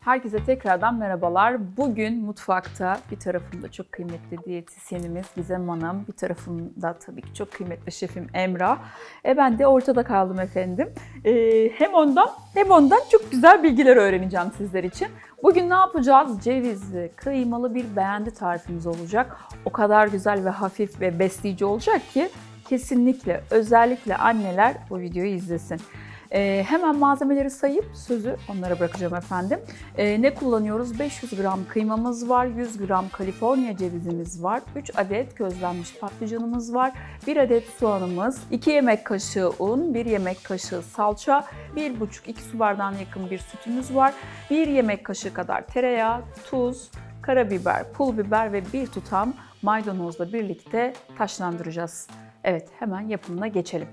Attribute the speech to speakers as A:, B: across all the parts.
A: Herkese tekrardan merhabalar. Bugün mutfakta bir tarafımda çok kıymetli diyetisyenimiz Gizem Hanım, bir tarafımda tabii ki çok kıymetli şefim Emrah. Ben de ortada kaldım efendim. Hem ondan çok güzel bilgiler öğreneceğim sizler için. Bugün ne yapacağız? Cevizli, kıymalı bir beğendi tarifimiz olacak. O kadar güzel ve hafif ve besleyici olacak ki kesinlikle, özellikle anneler bu videoyu izlesin. Hemen malzemeleri sayıp sözü onlara bırakacağım efendim. Ne kullanıyoruz? 500 gram kıymamız var, 100 gram Kaliforniya cevizimiz var, 3 adet közlenmiş patlıcanımız var, 1 adet soğanımız, 2 yemek kaşığı un, 1 yemek kaşığı salça, 1,5-2 su bardağına yakın bir sütümüz var, 1 yemek kaşığı kadar tereyağı, tuz, karabiber, pul biber ve bir tutam maydanozla birlikte taşlandıracağız. Evet, hemen yapımına geçelim.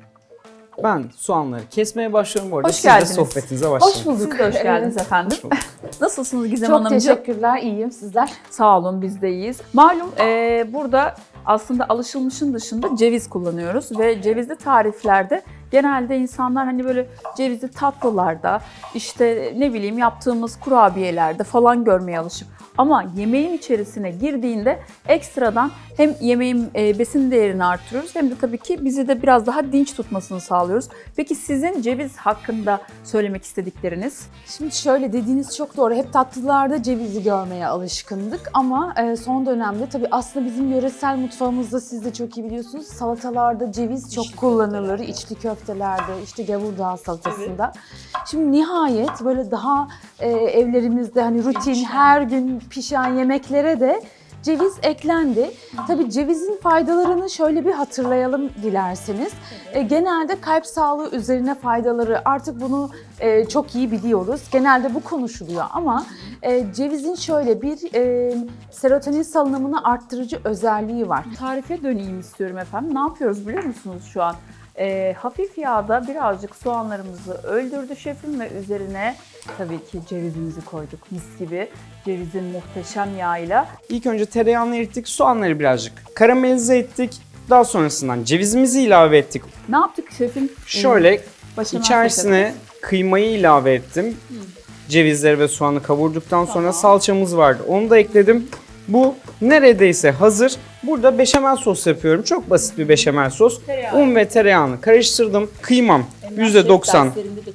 B: Ben soğanları kesmeye başlıyorum bu arada.
A: Hoş
B: Siz de
A: geldiniz.
B: sohbetinize başlayın.
A: Hoş bulduk. Siz de hoş geldiniz efendim.
B: Hoş bulduk.
A: Nasılsınız Gizem
C: Çok
A: Hanımcığım?
C: teşekkürler, iyiyim. Sizler?
A: Sağ olun, biz de iyiyiz. Malum burada aslında alışılmışın dışında ceviz kullanıyoruz ve cevizli tariflerde genelde insanlar hani böyle cevizli tatlılarda, işte ne bileyim yaptığımız kurabiyelerde falan görmeye alışık. Ama yemeğin içerisine girdiğinde ekstradan hem yemeğin besin değerini artırıyoruz hem de tabii ki bizi de biraz daha dinç tutmasını sağlıyoruz. Peki sizin ceviz hakkında söylemek istedikleriniz?
C: Şimdi şöyle, dediğiniz çok doğru. Hep tatlılarda cevizi görmeye alışkındık ama son dönemde tabii aslında bizim yöresel mutfağımızda, siz de çok iyi biliyorsunuz, salatalarda ceviz çok kullanılır. İçli köftelerde, işte gavurdağ salatasında. Evet. Şimdi nihayet böyle daha evlerimizde hani rutin her gün pişen yemeklere de ceviz eklendi. Tabii cevizin faydalarını şöyle bir hatırlayalım dilerseniz. Genelde kalp sağlığı üzerine faydaları, artık bunu çok iyi biliyoruz. Genelde bu konuşuluyor ama cevizin şöyle bir serotonin salınımını arttırıcı özelliği var.
A: Tarife döneyim istiyorum efendim. Ne yapıyoruz biliyor musunuz şu an? Hafif yağda birazcık soğanlarımızı öldürdü şefim ve üzerine tabii ki cevizimizi koyduk. Mis gibi cevizin muhteşem yağıyla.
B: İlk önce tereyağını erittik, soğanları birazcık karamelize ettik. Daha sonrasından cevizimizi ilave ettik.
A: Ne yaptık şefim?
B: Şöyle
A: Başına
B: içerisine kıymayı ilave ettim. Cevizleri ve soğanı kavurduktan sonra salçamız vardı. Onu da ekledim. Bu neredeyse hazır. Burada beşamel sos yapıyorum. Çok basit bir beşamel sos. Un ve tereyağını karıştırdım. Kıymam %90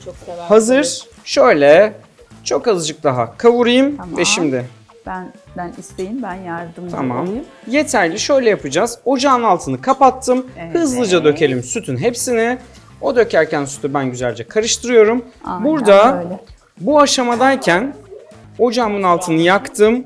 B: hazır. Şöyle çok azıcık daha kavurayım ve şimdi.
A: Ben isteyeyim, ben yardımcı
B: Tamam.
A: olayım.
B: Yeterli. Şöyle yapacağız. Ocağın altını kapattım.
A: Evet.
B: Hızlıca dökelim sütün hepsini. O dökerken sütü ben güzelce karıştırıyorum.
A: Aynen
B: Burada
A: böyle.
B: bu aşamadayken ocağımın altını yaktım.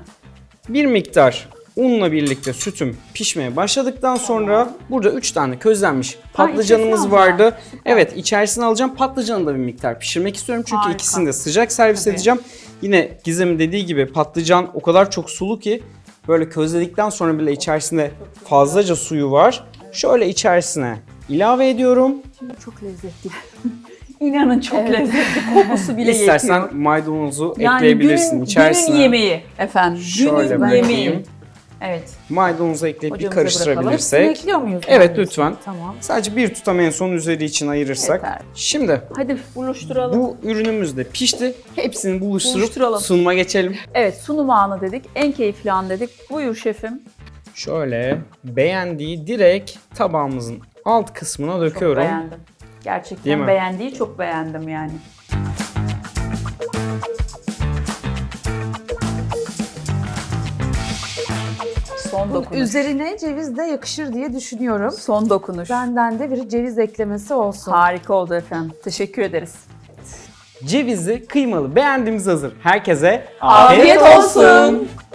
B: Bir miktar unla birlikte sütüm pişmeye başladıktan sonra burada 3 tane közlenmiş patlıcanımız
A: içerisine
B: vardı.
A: alacağım.
B: Evet, içerisine alacağım. Patlıcanı da bir miktar pişirmek istiyorum çünkü
A: Harika.
B: ikisini de sıcak servis
A: Tabii.
B: edeceğim. Yine Gizem'in dediği gibi patlıcan o kadar çok sulu ki böyle közledikten sonra bile içerisinde fazlaca suyu var. Şöyle içerisine ilave ediyorum.
A: Şimdi çok lezzetli. İnanın çok lezzetli. Kokusu bile yetiyor.
B: İstersen maydanozu
A: Yani
B: ekleyebilirsin içerisine.
A: günün yemeği efendim.
B: Şöyle
A: Günün
B: bırakayım.
A: yemeği. Evet.
B: Maydanozu ekleyip bir
A: Ocağımıza
B: karıştırabilirsek.
C: Ekliyor muyuz?
B: Evet, lütfen.
C: Tamam.
B: Sadece bir tutam en son üzeri için ayırırsak.
A: Yeter.
B: Şimdi
A: Hadi buluşturalım.
B: bu ürünümüz de pişti. Hepsini buluşturup
A: Buluşturalım.
B: sunuma geçelim.
A: Evet, sunum anı dedik. En keyifli an dedik. Buyur şefim.
B: Şöyle beğendiği direkt tabağımızın alt kısmına
A: Çok
B: döküyorum.
A: beğendim.
B: Değil
A: Gerçekten
B: mi?
A: beğendiği çok beğendim yani. Son dokunuş.
C: Üzerine ceviz de yakışır diye düşünüyorum.
A: Son dokunuş.
C: Benden de bir ceviz eklemesi olsun.
A: Harika oldu efendim. Teşekkür ederiz.
B: Cevizli, kıymalı beğendiğimiz hazır. Herkese
A: Afiyet olsun.